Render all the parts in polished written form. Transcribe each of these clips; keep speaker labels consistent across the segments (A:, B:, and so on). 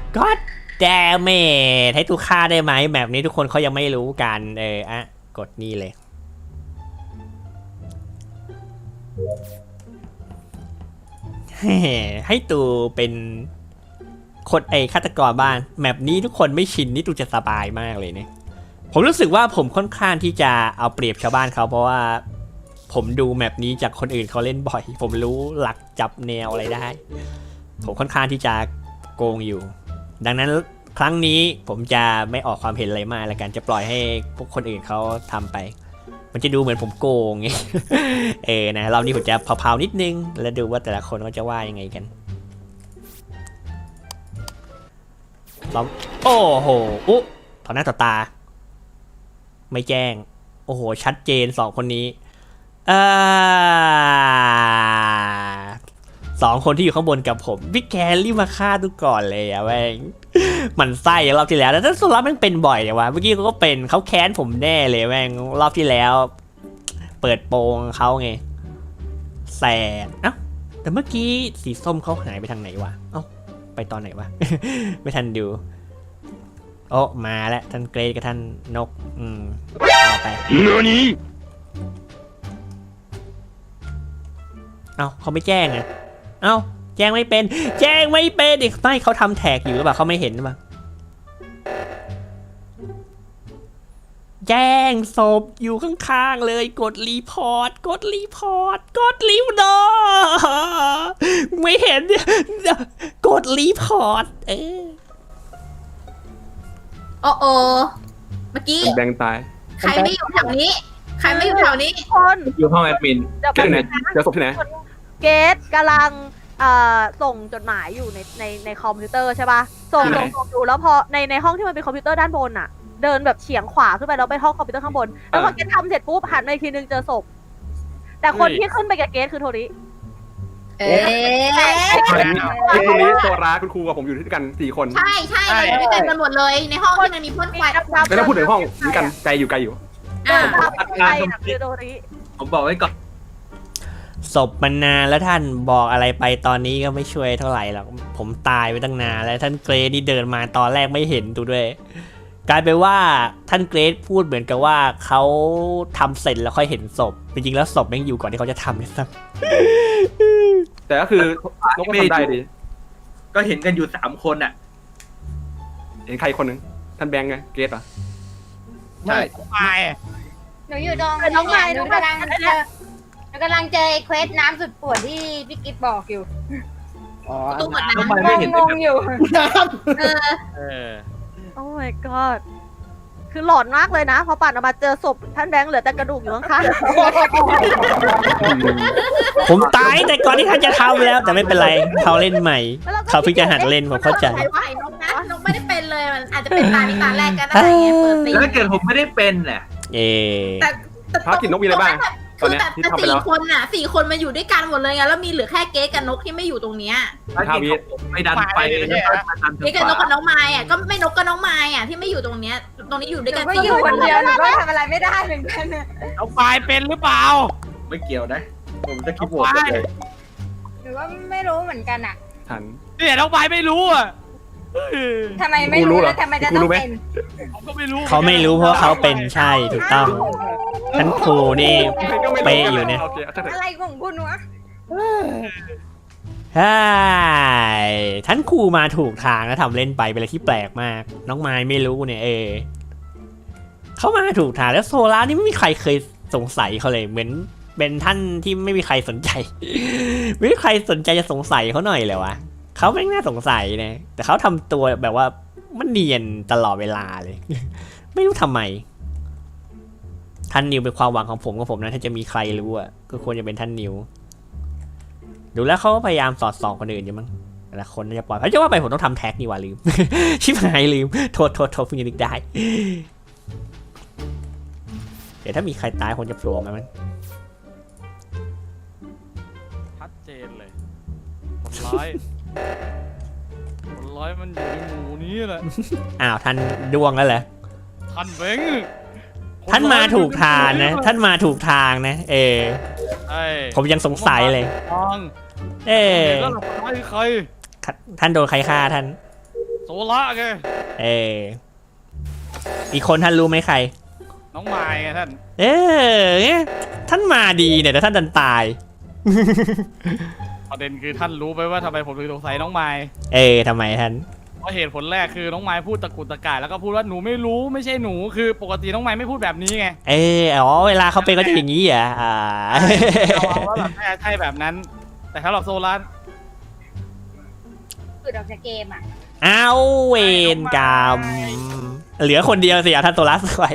A: ก็แดเมจให้ทุกค่าได้ไหมแบบนี้ทุกคนเขายังไม่รู้กันกดนี่เลยให้ตูเป็นคนฆาตกรบ้างแมปนี้ทุกคนไม่ชินนี่ตูจะสบายมากเลยเนี่ยผมรู้สึกว่าผมค่อนข้างที่จะเอาเปรียบชาวบ้านเขาเพราะว่าผมดูแมปนี้จากคนอื่นเขาเล่นบ่อยผมรู้หลักจับแนวอะไรได้ผมค่อนข้างที่จะโกงอยู่ดังนั้นครั้งนี้ผมจะไม่ออกความเห็นอะไรมากแล้วกันจะปล่อยให้พวกคนอื่นเขาทำไปมันจะดูเหมือนผมโกงไง นะรอบนี้ผมจะเผาๆนิดนึงแล้วดูว่าแต่ละคนเขาจะว่ายังไงกันล้อมโอ้โหอุ๊ต่อหน้าต่อตาไม่แจ้งโอ้โหชัดเจน2คนนี้2คนที่อยู่ข้างบนกับผมพี่แกรีบมาฆ่าทุกก่อนเลยอะแม่งมันไส้รอบที่แล้วแต่สุดแล้วมันเป็นบ่อยเลยวะเมื่อกี้เขาก็เป็นเขาแค้นผมแน่เลยแม่งรอบที่แล้วเปิดโปงเขาไงแสบแต่เมื่อกี้สีส้มเขาหายไปทางไหนวะไปตอนไหนวะ ไม่ทันดูโอ้มาแล้วท่านเกรดกับท่านนกเอาไปเขาไม่แจ้งอ่ะแจ้งไม่เป็นเด็กไม่เขาทำแท็กอยู่หรือเปล่าเขาไม่เห็นหรือเปล่าแจ้งศพอยู่ข้างๆเลยกดรีพอร์ตกดรีพอร์ตไม่เห็นกดรีพอร์ต
B: โอ้เมื่อกี้
C: แบงตาย
B: ใครไม่อยู่แถวนี้
D: คน
C: อยู่ห้องแอดมินเจอไหนเจอศพที่ไหน
D: เกตกำลังส่งจดหมายอยู่ในคอมพิวเตอร์ใช่ป่ะส่งดูแล้วพอในห้องที่มันเป็นคอมพิวเตอร์ด้านบนอ่ะเดินแบบเฉียงขวาขึ้นไปแล้วไปห้องคอมพิวเตอร์ข้างบนแล้วพอเกตทำเสร็จปุ๊บหันมาอีกทีนึงเจอศพแต่คนที่ขึ้นไปกับเกตคือโทริ
C: ตรงนี้โซราคุณครูกับผมอยู่ด้วยกัน4 คน
B: ใช่อยู่ด้วยกันหมดเลยในห้องที่มันมีพ่นไฟ
C: ไม่ต้องพูดถึงห้องด้วยกันไกลอยู่
D: คือโทริ
C: ผมบอกไว้ก่อน
A: ศพมันนานแล้วท่านบอกอะไรไปตอนนี้ก็ไม่ช่วยเท่าไหร่หรอกผมตายไปตั้งนานแล้วท่านเกรดนี่เดินมาตอนแรกไม่เห็นดูด้วยกลายเป็นว่าท่านเกรดพูดเหมือนกับว่าเขาทำเสร็จแล้วค่อยเห็นศพจริงๆแล้วศพยังอยู่ก่อนที่เขาจะทำเลยซ้
C: ำแต่ก็คือนกก็ทำได้ดี
E: ก็เห็นกันอยู่3 คนอ่ะ
C: เห็นใครคนนึงท่านแบงค์ไงเกรดเหรอ
E: ใช่
F: หนูอยู่ตรง
D: น้องไม้
F: หนูกำลังเจอเควสน้ำสุดปวดที่พี่กิ๊ฟบอกอยู่
B: ตู้หมดน้
F: ำงงอยู่
D: โอ้ my god คือหลอนมากเลยนะพอปั่นออกมาเจอศพท่านแบงค์เหลือแต่กระดูกอยู่ข้าง
A: ๆผมตายแต่ก่อนที่ท่านจะทำแล้วแต่ไม่เป็นไรเขาเล่นใหม่เขาเพิ่งจะหัดเล่นผมเข้าใจ
B: นกไม่ได้เป็นเลยมันอาจจะเป็นตานี้ตาแรกก็ได้ไงเปิดซี
E: แล้วเกิดผมไม่ได้เป็นแหละ
B: แต่
C: ภารกิจนกมีอะไรบ้าง
B: คือแต่4 คนมาอยู่ด้วยกันหมดเลยไงแล้วมีเหลือแค่เก๊กับนกที่ไม่อยู่ตรงเนี้ย
E: ไม่ดันไป
B: เก๊กับนกกับน้องไม้อ่ะก็ไม่นกกับน้องไม้อ่ะที่ไม่อยู่ตรงเนี้ยตรงนี้อยู่ด้วยกัน
F: ก็อยู่คนเดียวหนูก็ทำอะไรไม่ได้เหมือนกัน
E: เอาไฟเป็นหรือเปล่าไม่เกี่ยวนะผมจะคิดโหวตเลย
F: หรือว่าไม่รู้เหมือนกันอ่ะ
C: ทัน
E: เนี่ยน้องไฟไม่รู้อ่ะ
F: ทำไมไม่รู้แล้วทำไมจะต้องเป็น
E: เขาไม่รู้
A: เพราะเขาเป็นใช่ถูกต้องท่านครูนี่เป๊ะอยู่เนี่ย
F: อะไรของคุณวะ
A: ใช่ท่านครูมาถูกทางแล้วทำเล่นไปเป็นอะไรที่แปลกมากน้องไม้ไม่รู้เนี่ยเขามาถูกทางแล้วโซล่านี่ไม่มีใครเคยสงสัยเขาเลยเหมือนเป็นท่านที่ไม่มีใครสนใจไม่มีใครสนใจจะสงสัยเขาหน่อยเลยวะเขาไม่น่าสงสัยนะแต่เขาทำตัวแบบว่ามันเนียนตลอดเวลาเลย ไม่รู้ทำไมท่านนิวเป็นความหวังของผมนะถ้าจะมีใครรู้อ่ะก็ควรจะเป็นท่านนิวดูแล้วเขาก็พยายามสอดส่องคนอื่นอยู่มั้งแต่ละคนน่าจะปล่อยเพราะจะว่าไปผมต้องทำแท็กนี่ว่าลืม ชิบหายลืมโทษเพิ่งจะนึกได้เดี๋ยวถ้ามีใครตายคนจะโผล่มามั้ง
E: ชัดเจนเลยคนร้ายมันอยู่ในหมู่นี้แหละ
A: อ้าวท่านดวงแล้วเหรอ
E: ท่านเบ้ง
A: ท่านมาถูกทางนะท่านมาถูกทางนะผมยังสงสัยเลย
E: แล้วใคร
A: ท่านโดนใครฆ่าท่าน
E: ล่าไง
A: เอออีกคนท่านรู้ไหมใคร
E: น้องไม้ไงท่าน
A: เออท่านมาดีเนี่ยแต่ท่านดันตาย
E: ประเด็นคือท่านรู้ไหมว่าทำไมผมถึงสงสัยน้องไม้
A: เออทำไมท่าน
E: เพราะเหตุผลแรกคือน้องไม้พูดตะกุกตะกายแล้วก็พูดว่าหนูไม่รู้ไม่ใช่หนูคือปกติน้องไม้ไม่พูดแบบนี้ไง
A: เอออ๋อเวลาเขาเป็นก็จะอย่างนี้เหรอ
E: เอาว่าแบบใช่แบบนั้น แต่ถ้าเราโซล่า
F: หลุดออกจากเกมอ่ะ
A: เอาเวรกรรมเหลือคนเดียวสิท่านโซลัสไว้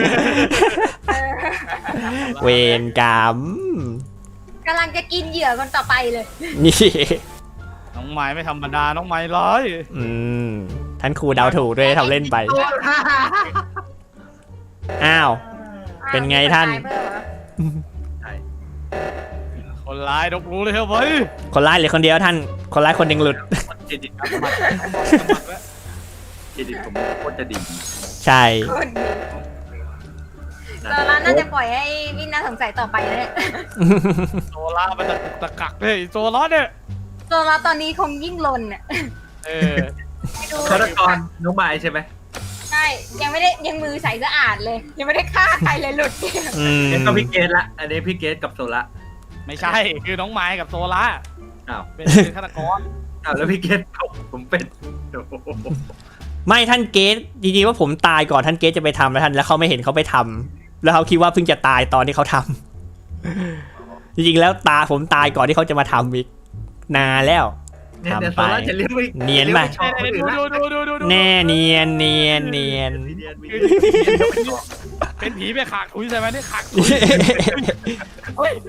A: เวรกรรม
F: กำลังจะกินเหยื่อคนต่อไปเลย
A: นี่
E: น้องไม้ไม่ธรรมดาน้องไม้ร้าย
A: ท่านครูเดาถูกด้วยทำเล่นไป อ้าว เป็นไงท่าน
E: คนร้ายดกรู้เลยครับเว้ย
A: คนร้ายเหลือคนเดียวท่าน คนร้ายคนหนึ่งหลุด
C: เครดิตครับเครดิตผมโคตรจะดี
A: ใช่
F: คนดีโซล่าน่าจะปล่อยให้พี่น่าสงสัยต่อไปนะเนี่ย
E: โซล่ามันตะกุกตะกักเลยโซล่าเนี่ย
F: โซล่าตอนนี้คงยิ่งลนอ่ะ
E: เออ
F: ไม่ดู
C: ฆาตกรน้องไม้ใช่ไหม
F: ใช่ยังไม่ได้ยังมือใสสะอาดเลย ยังไม่ได้ฆ่าใครเลยหลุดเกม
C: งั้นก็พี่เกตละอันนี้พี่เกตกับโซละ
E: ไม่ใช่คือน้องไม้กับโซล่า
C: อ้าว
E: เป็นฆาตกร
C: อ้าวแล้วพี่เกตผมเป็นโอ้โห
A: ไม่ท่านเกตจริงๆว่าผมตายก่อนท่านเกตจะไปทำแล้วท่านแล้วเขาไม่เห็นเขาไปทำแล้วเขาคิดว่าเพิ่งจะตายตอนที่เขาทำ จริงๆแล้วผมตายก่อนที่เขาจะมาทำอีกนานแล้ว
C: เนี่ยเดี๋ยวโซละจะเลี้ยงไป
A: เนียนป่ะ
C: ชอบคนอื่นละ
E: ดู
A: แน่เนียนเนียนเนียน
E: เป็นผีไปขากคุยใช่ไหมนี่ขากคุยเฮ้ย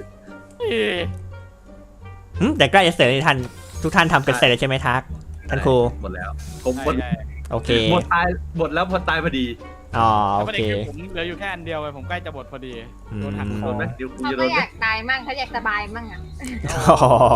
A: แต่ใกล้จะเสร็จแล้วท่านทุกท่านทำกันเสร็จแล้วใช่ไหมทักท่านครู
C: หมดแล้วผมหมด
A: โอเค
C: หมดตายหมดแล้วพอตายพอดี
A: อ๋อ
E: แล้ว
A: โอ
E: ประ
A: เค
E: เด็นคือผมเหลืออยู่แค่อันเดียวไงผมใกล้จะหมดพอดีโดนหักค
C: โด
E: อน
C: ไหมเดี๋ยวกู
F: เขา
C: จะโด
F: ก็
C: น
F: อยากตายมั่งเขาอยากสบายมั่งอ่ะ
A: อ๋อ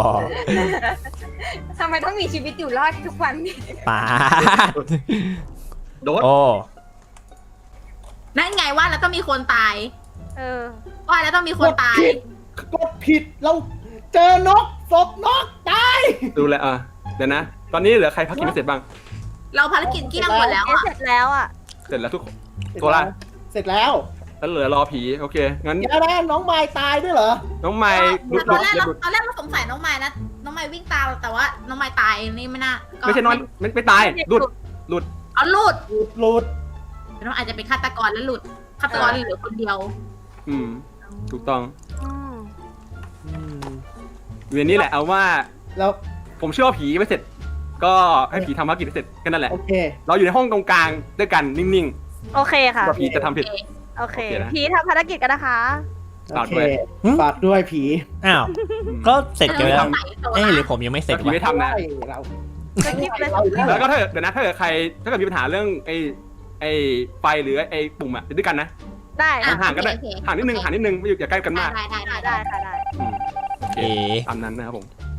F: ทำไมต้องมีชีวิตอยู่รอดทุกวันนี่
A: ป้าด
C: โดน
A: โอ้
B: นั่นไงว่าแล้วต้องมีคนตาย
D: เออ
B: ว่าแล้วต้องมีคนตาย
G: กดผิดเราเจอนกศพนกตาย
C: ดูแลเดี๋ยวนะ ตอนนี้เหลือใครพักกินไม่เสร็จบ้าง
B: เราภารกิจเกลี้ยงหมดแล้วอ่ะ
D: เสร็จแล้วอ่ะ
C: เสร็จแล้วทุกคนโซล่า
G: เสร็จแล้ว
C: แล้วเหลือรอผีโอเคงั้น
G: เดี๋ยวนะน้องไม้ตายด้วยเหรอ
C: น้องไม้หลุด
B: ตอนแรก
C: หลุด
B: เราสงสัยน้องไม้นะน้องไม้วิ่งตามแต่ว่าน้องไม้ตายนี่ไม่น่าก็
C: ไม่ใช่น้อยไม่ตายหลุด
B: เอาหลุด
G: หลุด
B: น้องอาจจะเป็นฆาตกรแล้วหลุดฆาตกรเหลือคนเดียว
C: ถูกต้อง
D: อืม
C: เวียนนี้แหละเอาว่า
G: แล้ว
C: ผมเชื่อว่าผีไม่เสร็จ ก็ให้ผีทำภารกิจให้เสร็จแค่นั้นแหละ
G: โอเค
C: เราอยู่ในห้องตรงกลางด้วยกันนิ่ง
D: โอเคค่ะ
C: ๆว่าผีจะทำผิด
D: โอเค
C: โอเคนะ
D: พีทำภารกิจกันนะคะ
C: ฝาก
G: โอเค
C: ด้วย
G: ฝากด้วยผี
A: อ้าว ก็เสร็จกันแล้ว
B: สงสัยโซ
A: เอ๊ะ
B: ล่า
A: หรือผมยังไม่เสร็จ
C: ผี
A: วะ
C: ไม่ทำนะ
G: เรา
D: สคริปต์เลย
C: แล้วก็ถ้าเดี๋ยวนะถ้าเกิดใครถ้าเกิดมีปัญหาเรื่องไอ้ไฟหรือไอ้ปุ่มอะอยู่ด้วยกันนะ
D: ได้
B: อ่ะ
C: ห่างกันได้
B: โอเค
C: ห่างนิดนึงไม่อยู่อย่าใกล้กันมาก
B: ได้
D: ได้ค่ะได้
A: เอ๊ะ
C: ตามนั้นนะครับผม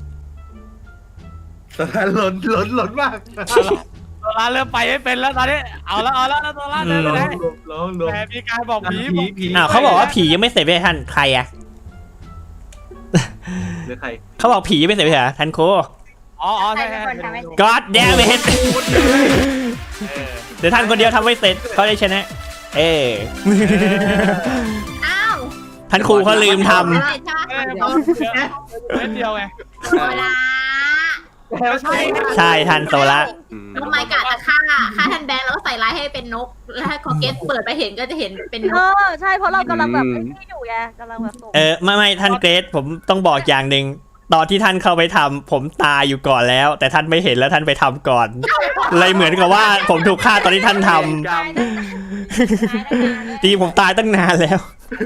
G: หล่นมาก
E: โซล่าเริ่มไปไม่เป็นแล้วตอนนี้เอาแล้วโซล่าเดินไปไหน
C: ลง
E: แต่มีการบอกผี
A: อ้าวเขาบอกว่าผียังไม่เสร็จไปท่านใครอะ
C: หรือใคร
A: เขาบอกผียังไม่เสร็จไปเหรอท่านครู
E: อ๋อ
F: ใคร
E: ใช่
F: เป็นคนทำให้
A: God damn it เดี๋ยวท่านคนเดียวทำไม่เสร็จเขาได้ชนะ เออ
B: อ้าว
A: ท่านครูเขาลืมท
B: ไม่ได้ใช่ไหม
E: เล่นเดียวไง
B: โซล่า
E: ใช่
A: ำใช่ท่านโซละ
B: น้องไม้กะจะฆ่าท่านแบงค์แล้วก็ใส่ร้ายให้เป็นนก แล้วให้คอเกตเปิดไปเห็นก็จะเห็นเป็นน
D: เอก อใช่เพราะเรากำลังแบบไอ้นี่อยู่ไงกำลังแบบส่ง
A: ไม่ท่านเกรซผมต้องบอกอย่างหนึ่งตอนที่ท่านเข้าไปทำผมตายอยู่ก่อนแล้ว แต่ท่านไม่เห็นแล้วท่านไปทำก่อน เลยเหมือนกับว่าผมถูกฆ่าตอนที่ท่านทำจริงๆผมตายตั้งนานแล้ว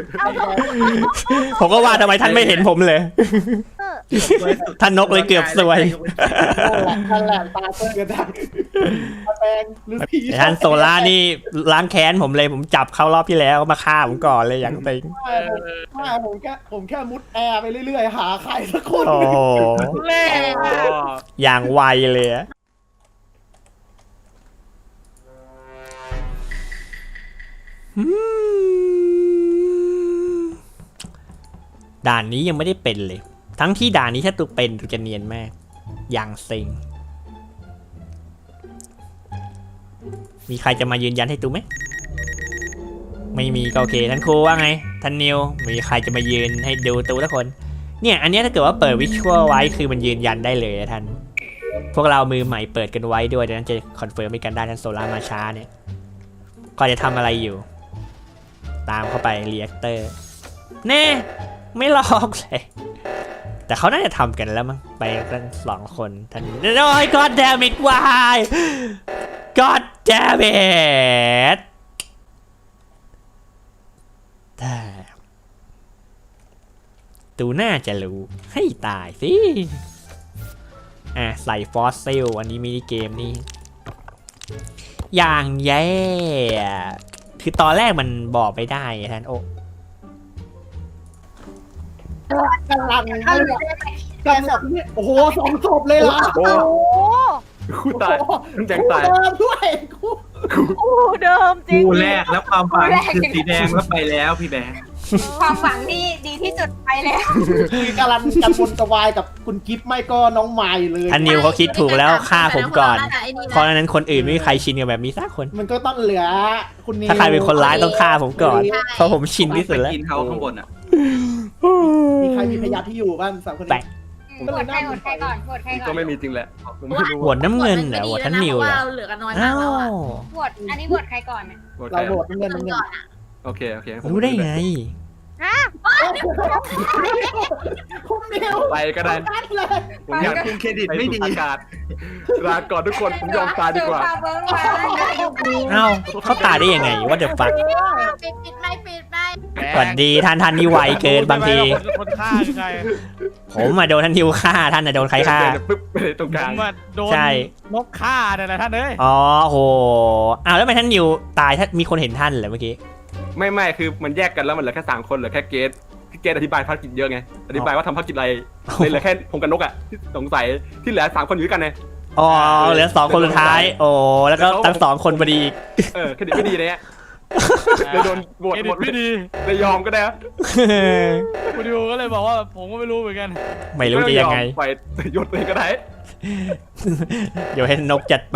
A: ผมก็ว่าทำไมท่านไม่เห็นผมเลย
D: เออ
A: ท่านนกเลยเกือบซวย
G: นั่นแหละตาเส้นกันดังตาแดงหรือผี
A: แต่ท่านโซล่านี่ล้างแค้นผมเลยผมจับเข้ารอบที่แล้วมาฆ่าผมก่อนเลยอย่างติง
G: ผมแค่มุดแอร์ไปเรื่อยๆ หาใครสักคน
A: โอ้โห
E: เล่
A: อย่างไวเลยอะด่านนี้ยังไม่ได้เป็นเลย ทั้งที่ด่านนี้ถ้าตุกเป็นตุกจะเนียนมาก อย่างเซ็งมีใครจะมายืนยันให้ตูไหมไม่มีก็โอเคท่านครูว่าไงท่านนิวมีใครจะมายืนให้ดูตูทุกคนเนี่ยอันนี้ถ้าเกิดว่าเปิดวิชวลไว้คือมันยืนยันได้เลยนะท่านพวกเรามือใหม่เปิดกันไว้ด้วยดังนั้นจะคอนเฟิร์มให้กันได้ท่านโซล่ามาช้าเนี่ยก็จะทำอะไรอยู่ตามเข้าไปเรีแอคเตอร์แน่ไม่หลอกเลยแต่เขาน่าจะทำกันแล้วมั้งไปกัน2 คนท่านโอ้ย God damn it why God damn it แต่ตูน่าจะรู้ให้ตายสิใส่ฟอสซิลอันนี้มินิเกมนี่อย่างแย่คือตอนแรกมันบอกไม่ได้ท่านโอ้
G: กำลัง
F: เอาเหลือ
G: กำลังโอ้โห2 ศพเลยเหรอ
C: โอ้
D: โอ้
C: คู่ตายคุณแจงตาย
G: เดิมด้วย
D: กูเดิมจริง
H: คู่แรกแล้วความฝันคือสีแดงแล้วไปแล้วพี่แบงค์
F: ความหวังที่ดีที่สุดไปแล้ว
G: คือกำลังกระวนกระวายกับคุณกิฟต์ไม่ก็น้องไมล์เลย
A: ท่านนิวเขาคิดถูกแล้วฆ่าผมก่อน
B: แสดงว่าเราน่าจะไอ้นี่
A: เพราะ
B: นะ
A: ฉะนั้นคนอื่นไม่มีใครชินกับแบบนี้สักคน
G: มันก็ต้องเหลือคุณนิว
A: ถ้าใครเป็นคนร้ายต้องฆ่าผมก่อน เพราะผมชินที่สุดแล้ว
H: กินเขาข้างบนอ่ะ
G: มีใครมีพยานที่อยู่บ้าง3 คน
A: แปล
G: นี้
A: ก
F: โหวตใครโหวตใครก่อนโหวตใครก่อน
C: ก็ไม่มีจริงแหละผมไม่รู้
A: โหวตน้ำเงินเหรอโหวตท่านนิว
B: เพ
A: เหร
B: ราะ
A: อ
B: ว่าเราเหลือกันน้อยมา
A: อ้าก
B: แล้ว
A: ว
B: อะ
F: โหวตอันนี้โหวตใครก่อนเนี่ย
G: เราโหวตน้ำเงิน
B: คน
G: น้ำเงิน
B: ก่อนอะ
C: โอเคโอเค
A: รู้ได้ไง
G: คุณนิว
C: ไปก็ได้
G: นัดเลย
C: ผมอยาก
H: คุณเครดิตไม่ดี
C: อากาศลาก่อนทุกคนผมยอมตายดีกว่า
A: เอ้าเขาตายได้ยังไงว่าเดอะฟัก
B: ปิดไม่ปิดไม่
A: สวัสดีท่านนี่ไวเกินบางที
E: คนฆ่าคือใคร
A: ผมมาโดนท่านนิวฆ่าท่านน่ะโดนใครฆ่า
C: เดินปึ๊บไปเลยตรง
E: ผ
C: กลาง
E: มอะโดน
A: ใช่
E: นกฆ่าเนี่ยแหละท่านเอ้ย
A: อ๋อโหอ้าวแล้วทำไมท่านนิวตายถ้ามีคนเห็นท่านเหรอเมื่อกี้
C: ไม่คือมันแยกกันแล้วมันเหลือแค่3 คนเหลือแค่เกตเกตอธิบายภารกิจเยอะไงอธิบายว่าทำภารกิจอะไรเลยเหลือแค่ผมกับนกอ่ะที่สงสัยที่เหลือ3 คนอยู่ด้วยกันไง
A: อ๋อเหลือ2 คนสุดท้าย โอ้แล้วก็ทั้ง2 คนพอดี
C: เครดิตไม่ดีเนี่ยเลยโดนโหวต
E: เคร
C: ห
E: ดิ
C: ม
E: ต
C: ด
E: ไม่ดี
C: เลยยอมก็ได้
E: คุณดิวก็เลยบอกว่าผมก็ไม่รู้เหมือนกัน
A: ไม่รู้จะยังไง
C: ไปยศเลยก็ได้
A: เดี๋ยวให้นกจัดไป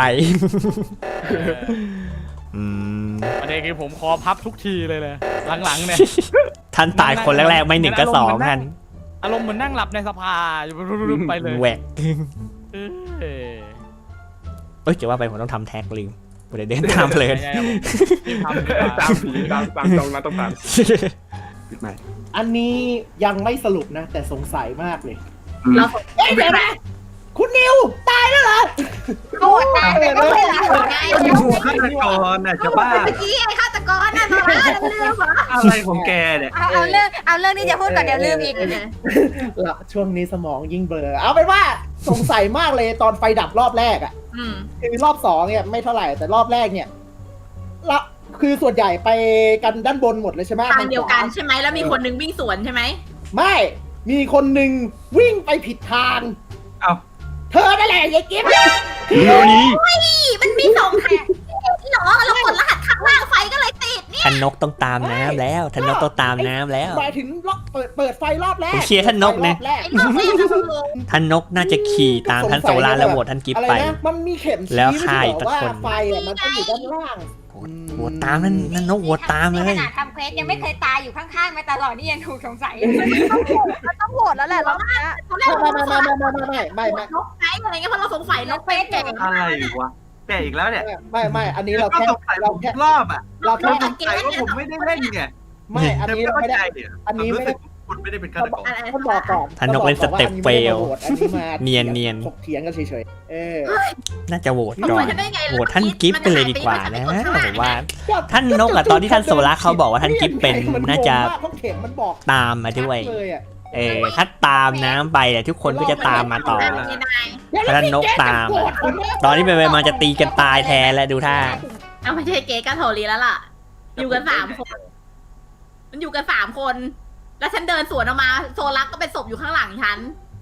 A: อืม
E: ประเด็นคือผมคอพับทุกทีเลยหลังๆเนี่ย
A: ท่านตายคนแรกๆไม่1ก็2ท่าน
E: อารมณ์เหมือนนั่งหลับในสภาอยู่ไปเลย
A: แหวก
E: เออ
A: เอ้ยจะว่าไปผมต้องทำแท็กลืมเดี๋ยวเดินตามเพลิน
E: ใช่ครับรีบทำดีกว่า
C: ตามผีตามตรงนั้นต้องตามปิดใหม่
G: อันนี้ยังไม่สรุปนะ แต่สงสัยมากเลย
B: เราสงสัย
G: เดี๋ยวนะคุณนิวตายแล้วเหรอ
F: โหวตตายเลยก็ไม่ละ
B: ไง
H: ดูฆาตกรน่ะจะบ้า
B: เมื่อกี้ไอ้ฆาตกรน่ะเราลืมเหรอ
H: อะไรของแกเนี่ย
F: เอาเรื่องที่จะพูดก่อนเดี๋ยวลืมอีก
G: ละช่วงนี้สมองยิ่งเบลอเอาเป็นว่าสงสัยมากเลยตอนไฟดับรอบแรกอ่ะ
B: อืม
G: คือรอบ2เนี่ยไม่เท่าไหร่แต่รอบแรกเนี่ยละคือส่วนใหญ่ไปกันด้านบนหมดเลยใช่ไหม
B: ทางเดียวกันใช่ไหมแล้วมีคนนึงวิ่งสวนใช่ไหม
G: ไม่มีคนหนึ่งวิ่งไปผิดทาง
H: เอ้า
G: เธอนั่นแหละยายกิ๊ฟ
B: มันมี2 ทางเหรอเรากดรหัสข้างล่างไฟก็เลยติดเนี่ย
A: ท่านนกต้องตามน้ำแล้วท่านนกต้องตามน้ำแล้ว
G: หมายถึงรอบเปิดไฟรอบแรก
A: ผมเชียร์ท่านนกนะ
G: รอบแรก
B: ไอ้นกเนี่ยนะงง
A: ท่านนกน่าจะขี่ตามท่านโซลาแล้วโหวตท่านกิฟ
G: อะไร
A: ไป
G: นะมันมีเข็มชี้
A: แล้ว
G: ที่
A: ฆ่า
G: บ
A: อี
G: อก ก
A: สัก
G: ว่า
A: คน
G: ไฟอ่ะมันต้องอยู่ด้านล่าง
A: โหวตตามนั่นนกโหวตตามเล
F: ข
A: ย
F: นาดทำเควสยังไม่เคยตายอยู่ข้างๆมาตลอดนี่ยังถูกสงสัย
D: มันต้องโหวตแล้วแหละรอบเนี้ย
B: ตอนแรกเราสงสัย
G: ไม่
B: นกไงอะไรเงี้ยเพราะเราสงสัยนกเป็นแก่
H: อะไรวะแกอีกแล้วเนี่ย
G: ไม่อันนี้เรา
H: ก็
G: แค่
H: สงสัย
G: เรา
H: ผม
G: แค่
H: ทุกรอบอ่ะ
G: เราแค่
H: สงสัยว่าผมไม่ได้เล่นไง
G: ไม่อันนี้เราไม่ได้
H: เนี่ย
G: อันนี้ไม่ได้
H: คุณไม่ได้เป็นฆาตกร
G: ท่านบอกก่อน
A: ท่านนกเล่นสเต็ปเฟล
G: อันนี้มา
A: เนียน
G: ถกเถียงกันเฉยๆ
A: น่าจะโหวต
B: สง
A: ก่อ
B: สั
A: น
B: ยฉันได้ไง
A: โหวตท่านกิฟไปเลยดีกว่านะผมว่า ท่านนกอะตอนที่ท่านโซล่าเขาบอกว่าท่านกิฟเป็นน่าจะ
G: เพราะเข็มมันบอก
A: ตามมาด้วย
G: เลยอะ
A: ถ้าตามน้ำไปเนี่ยทุกคนก็จะตามมาต่อ ท่านนกตาม ตอนนี้ไปมาจะตีกันตายแทนแล้วดูท่า
B: เอาไม่ใช่เก๋กับโทรีแล้วล่ะ อยู่กัน3 คน มันอยู่กัน3 คน แล้วฉันเดินสวนออกมาโซลักก็เป็นศพอยู่ข้างหลังฉัน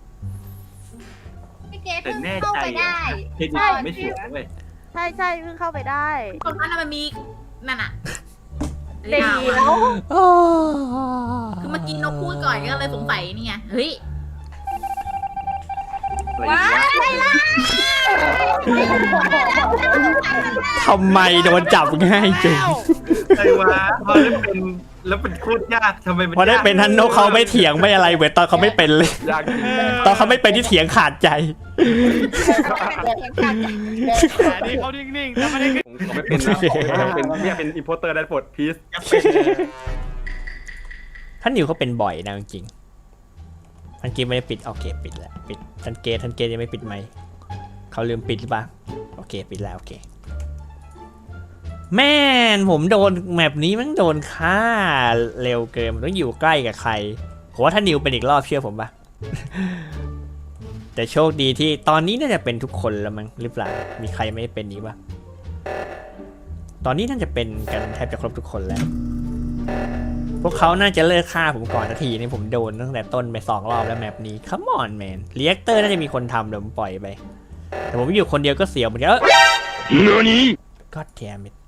F: พี่เกด
H: แต่
F: เพิ่ง
H: แน่
F: เข้า
H: ใจ
F: ไปได้
H: เครดิตไม่ถูกเว้ย
D: ใช่เพิ่งเข้าไปได้
B: ตรงนั้นน่ะมันมีนั่นอะ
D: เดี๋ยว
B: คือเมื่อกี้นกพูดก่อนก็เลยสงสัยนี่ไงเฮ้ย
H: อะไรวะ
A: ทำไมโดนจับง่ายจัง
H: ไอ้วะพอได้เป็นแล้วเป็นโคตรยากทำไมมัน
A: พอได้เป็นท่านนกเขาไม่เถียงไม่อะไรเหมือนตอนเขาไม่เป็นเลย
C: ยากจริง
A: ตอนเขาไม่เป็นที่เถียงขาดใจ
E: แต่นี่เขานิ่งๆแต่ไม่ได้ขึ้น
C: ผมไม่เป็นนะผมเป็นเนี่ยเป็นอิมโพเตอร์ได้ปลดพีซ
A: ท่านนิวเขาเป็นบ่อยนะจริงๆท่านเกมไม่ได้ปิดโอเคปิดแล้วปิดท่านเกมยังไม่ปิดไหมเขาลืมปิดหรือเปล่าโอเคปิดแล้วโอเคแม่นผมโดนแมปนี้มันโดนฆ่าเร็วเกินมันต้องอยู่ใกล้กับใครผมว่าท่านนิวเป็นอีกรอบเชื่อผมปะ แต่โชคดีที่ตอนนี้น่าจะเป็นทุกคนแล้วมั้งหรือเปล่ามีใครไม่เป็นนี้ปะตอนนี้น่าจะเป็นกันแทบจะครบทุกคนแล้วพวกเขาน่าจะเลิกฆ่าผมก่อนนาทีนี่ผมโดนตั้งแต่ต้นไป2 รอบแล้วแมปนี้ Come on man เรียกเตอร์น่าจะมีคนทำเดี๋ยวผมปล่อยไปแต่ผมอยู่คนเดียวก็เสียวเหมือนกันGod damn it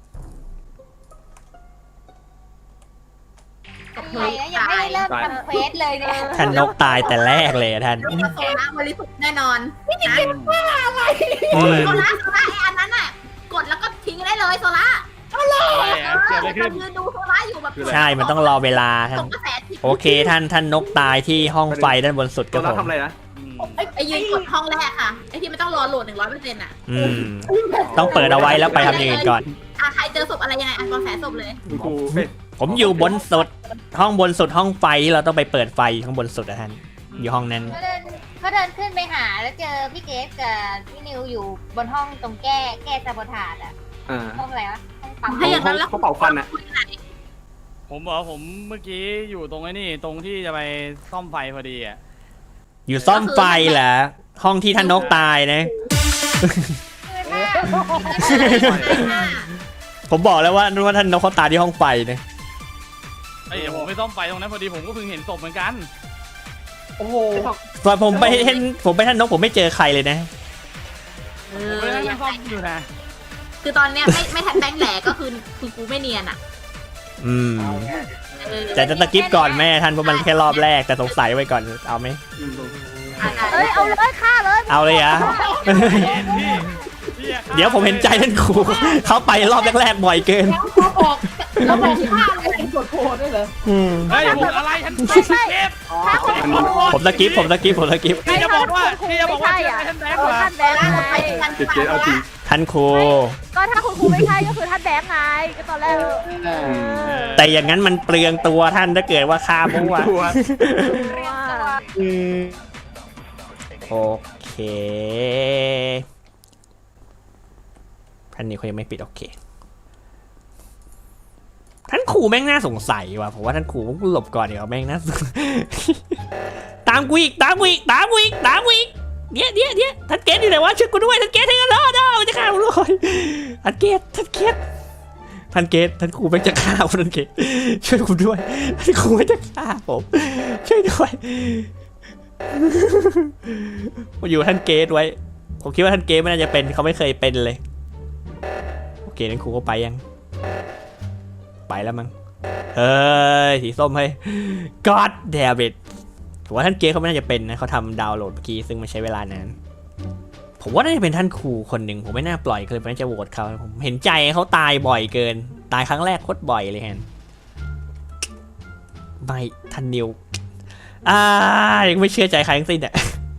F: อะไรนะยังไม่ได้เริ่มทำเควสเลยเนี่ย
A: ท่านนกตายแต่แรกเลยอะท่าน
B: ลูกกระโซล่าบริสุทธิ์แน่นอนพี่จะ
A: อืม
B: โซล่าไอ้อันนั้นน่ะกดแล้วก็ทิ้งได้เลยโซล่า
E: อะไรอะเกิดอะไรขึ้น
B: ยืนดูโซล่าอยู่แบบ
A: ใช่มันต้องรอเวลาท่าน
B: ส่งกระแสทิ้ง
A: โอเคท่านนกตายที่ห้องไฟด้านบนสุด
C: ตั
A: กั
C: ว
A: บ
C: เรา
A: ผม
C: ทำอะไรนะ
B: ไอ้ยืนกดห้องแรกค่ะไอ้ที่ไม่ต้องรอโหลด100%อ่ะ
A: อืมต้องเปิดเอาไว้แล้วไปทำอย่างอื่นก่อน
B: ใครเจอศพอะไรยังไงกระแสศพเลย
C: คุณครูเอ้ย
A: ผมอยู่บนสุดห้องบนสุดห้องไฟที่เราต้องไปเปิดไฟข้างบนสุดอะท่านอยู่ห้องนั้น
F: เขาเดินขึ้นไปหาแล้วเจอพี่เกฟกับพี่นิวอยู่บนห้องตรงแก้ซาโบทาดอะ
C: อ่า
F: ห้องอะไรวะห้องปั๊ม
B: ถ้าอย่างนั้นแล้ว
C: เขาเป่าฟันอ่ะ
E: ผมบอกว่าผมเมื่อกี้อยู่ตรงไอ้นี่ตรงที่จะไปซ่อมไฟพอดีอ่ะ
A: อยู่ซ่อมไฟเหรอห้องที่ท่านนกตายนะ ผมบอกแล้วว่าท่านนกเขาตายที่ห้องไฟนะ
E: เอ้ยเดี๋ยวผมไปซ่อมไฟตรงนั้นพอดีผมก็เพิ่งเห็นศพเหมือนกัน
G: โอ้โห
A: ตอนผมไปท่านนกผมไม่เจอใครเลยนะ
E: ผมไปนั่งซ่อมอยู่นะ
B: คือตอนเนี้ยไม่ทันแบงค์แหลก็คือกูไม่เนียนอ่ะ
A: อืมแต่จะตะกิปก่อนแม่ท่านเพราะมันแค่รอบแรกแต่สงสัยไว้ก่อนเอาไหม
D: เอ้ยเอาเลยฆ่าเลย
A: เอาเลยอะ
E: พี่อะ
A: เดี๋ยวผมเห็นใจท่านครูเขาไปรอบแรกๆบ่อยเกิน
G: แล้วบอกฆ่าเลยเป็นกดโพดด้วยเหรอ
E: เฮ้ยผมอะไรท่านเกฟ
D: ฆ่าคนโกรธ
A: ผมตะกิป
E: พี่จะบอกว่าเชื่อท่านแบงค์เหรอ
D: ท่านแบงค์ไง
C: เกตเอาจริง
A: ท่านครู
D: ก็ถ้าคุณครูไม่ใช่ก็คือท่านแบงค์ไงก็ตอนแรก
A: แต่อย่างนั้นมันเปลืองตัวท่านถ้าเกิดว่าฆ่ามั่ว
C: ตัว
A: โอเคท่านนี้เขายังไม่ปิดโอเคท่านครูแม่งน่าสงสัยว่ะผมว่าท่านครูต้องหลบก่อนเดี๋ยวแม่งน่าสงสัยตามกูอีกเดี๋ยวท่านเกตอยู่ไหนวะช่วยกูด้วยท่านเกตให้กันรอดมันจะฆ่าผมเลยท่านเกตท่านครูแม่งจะฆ่าผมท่านเกตช่วยกูด้วยท่านครูแม่งจะฆ่าผมช่วยด้วยผมอยู่ท่านเกตไว้ผมคิดว่าท่านเกตไม่น่าจะเป็นเขาไม่เคยเป็นเลยโอเคท่านครูก็ไปยังไปแล้วมั้งเฮ้ยสีส้มเฮ้ย God damn it ผมว่าท่านเกตเขาไม่น่าจะเป็นนะเขาทำดาวน์โหลดเมื่อกี้ซึ่งมันใช้เวลานานผมว่าน่าจะเป็นท่านครูคนหนึ่งผมไม่น่าปล่อยเลยผมน่าจะโหวตเขาผมเห็นใจเขาตายบ่อยเกินตายครั้งแรกโคตรบ่อยเลยแฮนไม่ท่านนิวยังไม่เชื่อใจใครทั้งสิ้นอ่ะ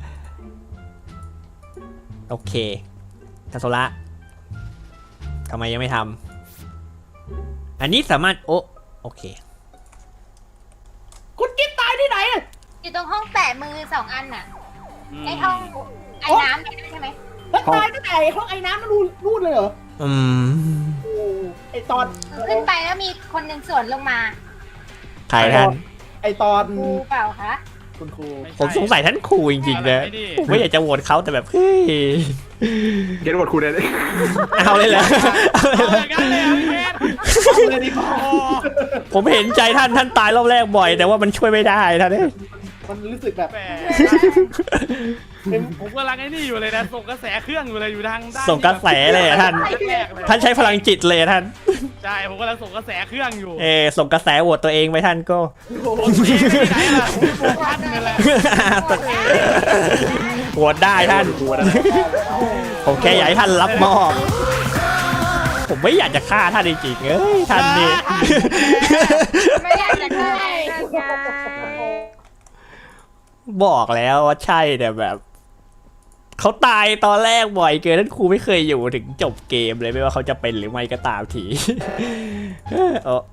A: โอเคทันโซละทำไมยังไม่ทำอันนี้สามารถโอเค
G: คุณกิ๊บตายที่ไหนอะ
F: อยู่ตรงห้องแปะมือ2 อันน่ะไอห้องไอ้น้ำเนี่ยใช่ไหม
G: แล้วตายตั้งแต่ห้องไอ้น้ำมันรูดเลยเหรอ โอ้ไอตอน
F: ขึ้นไปแล้วมีคนหนึ่งสวนลงมา
A: ใครท่าน
G: ไอตอน
F: ครูเปล่าคะ
G: คุณครู
A: ผมสงสัยท่านครูจริงๆนะผมไม่อยากจะโหวตเขาแต่แบบเฮ้ย
C: เกตบทครูได้เลย
A: เอาเลยเหรอ
E: เอาอย่างนั้นเลยพี่เกฟ
G: เลยดีกว่า
A: ผมเห็นใจท่านตายรอบแรกบ่อย แต่ว่ามันช่วยไม่ได้ท่านเนี่ย
G: มันรู้สึกแบบ
E: แหมผมกำลังไอ้นี่อยู่เลยนะส่งกระแสเครื่องอยู่เลยอยู่ทางด้าน
A: ส่งกระแสเลยอะท่าน
E: แรกๆเลย
A: ท่านใช้พลังจิตเลยอะท่าน
E: ใช่ผมกำลังส่งกระแสเครื่องอยู่
A: ส่งกระแสโหวตตัวเองไปท่านก็
E: ผมนี่ไม่ไหนล่ะผมโฟกัสนี่แหละ
A: โหวตได้ท่าน ผมแค่อยากให้ท่านรับมอบ
G: เ
A: ผมไม่อยากจะฆ่าท่านจริงๆเอ้ยท่านนี่
F: ไม่อยากจะได้
D: นั่นไง
A: บอกแล้วว่าใช่แต่แบบเขาตายตอนแรกบ่อยเกินท่านครูไม่เคยอยู่ถึงจบเกมเลยไม่ว่าเขาจะเป็นหรือไม่ก็ตามที เออ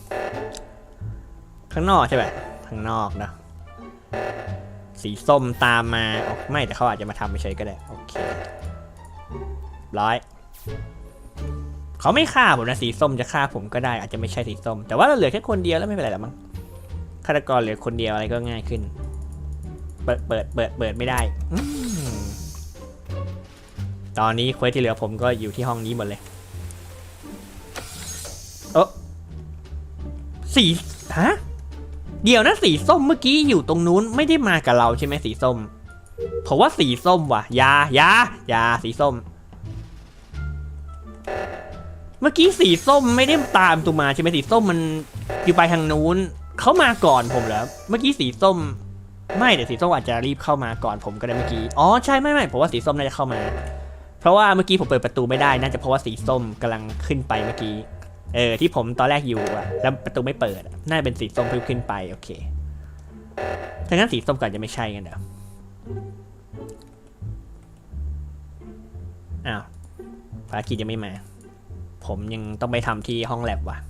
A: ข้างนอกใช่ไหมข้างนอกนะสีส้มตามมาอ๋อไม่แต่เขาอาจจะมาทำเฉยๆก็ได้โอเคร้อยเขาไม่ฆ่าผมนะสีส้มจะฆ่าผมก็ได้อาจจะไม่ใช่สีส้มแต่ว่าเราเหลือแค่คนเดียวแล้วไม่เป็นไรหรอกมั้งฆาตกรเหลือคนเดียวอะไรก็ง่ายขึ้นเปิดไม่ได้ตอนนี้เควสที่เหลือผมก็อยู่ที่ห้องนี้หมดเลยสีฮะเดี๋ยวนะสีส้มเมื่อกี้อยู่ตรงนู้นไม่ได้มากับเราใช่ไหมสีส้มผมว่าสีส้มว่ะยาสีส้มเมื่อกี้สีส้มไม่ได้ตามตูมาใช่ไหมสีส้มมันอยู่ไปทางนู้นเขามาก่อนผมแล้วเมื่อกี้สีส้มไม่แต่สีส้มอาจจะรีบเข้ามาก่อนผมก็ได้เมื่อกี้อ๋อใช่ไม่ผมว่าสีส้มน่าจะเข้ามาเพราะว่าเมื่อกี้ผมเปิดประตูไม่ได้น่าจะเพราะว่าสีส้มกำลังขึ้นไปเมื่อกี้ที่ผมตอนแรกอยู่อะแล้วประตูไม่เปิดน่าจะเป็นสีส้มเพิ่งขึ้นไปโอเคถ้างั้นสีส้มก่อนจะไม่ใช่กันเดี๋ยวอ้าวภารกิจยังไม่มาผมยังต้องไปทำที่ห้องแลบว่ะ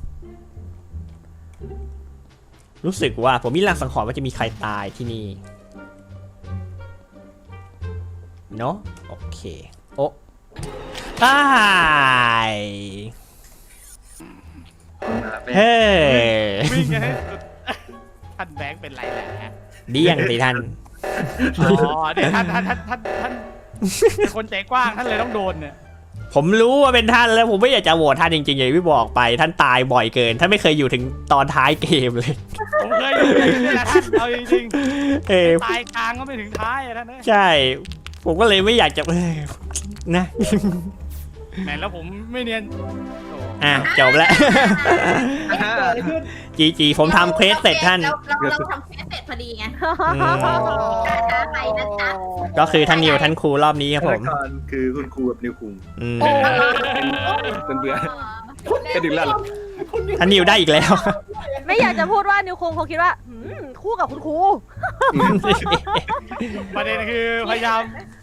A: รู้สึกว่าผมมีลางสังหรณ์ว่าจะมีใครตายที่นี่เนาะโอเคโอ้ตายเฮ้
E: วิ่งกันให้สุดท่านแบงค์เป็นไรแหละ
A: เดี่ยงสิท่าน
E: อ๋อเนี่ยท่านเป็นคนใจกว้างท่านเลยต้องโดนเนี่ย
A: ผมรู้ว่าเป็นท่านแล้วผมไม่อยากจะโหวตท่านจริงๆอย่างที่บอกไปท่านตายบ่อยเกินท่านไม่เคยอยู่ถึงตอนท้ายเกมเลย
E: ผมเคยอยู่นี่แหละท่านเอาจริงๆตายกลางก็ไม่ถึงท้ายอะท่านเนี่ย
A: ใช่ผมก็เลยไม่อยากจะนะ
E: แหมแล้วผมไม่เนียน
A: จบแล้ว
G: เกิดอะไรขึ้น
A: จีผมทำเควสเสร็จท่าน
B: เราทำเควสเสร็จพอดีไง
A: อืม
B: ช้าไปนะจ๊ะ
A: ก็คือท่านนิวท่านครูรอบนี้ครับ
H: ฆา
A: ผ
H: ต
A: ม
H: กรคือคุณครูกับนิวคุง
A: อืม
C: เป็นเบื่อไม่ดึงแล้วหรอ
A: ท่านนิวได้อีกแล้ว
D: ไม่อยากจะพูดว่านิวคงคิดว่าคู่กับคุณครู
E: ประเด็นคือพยายาม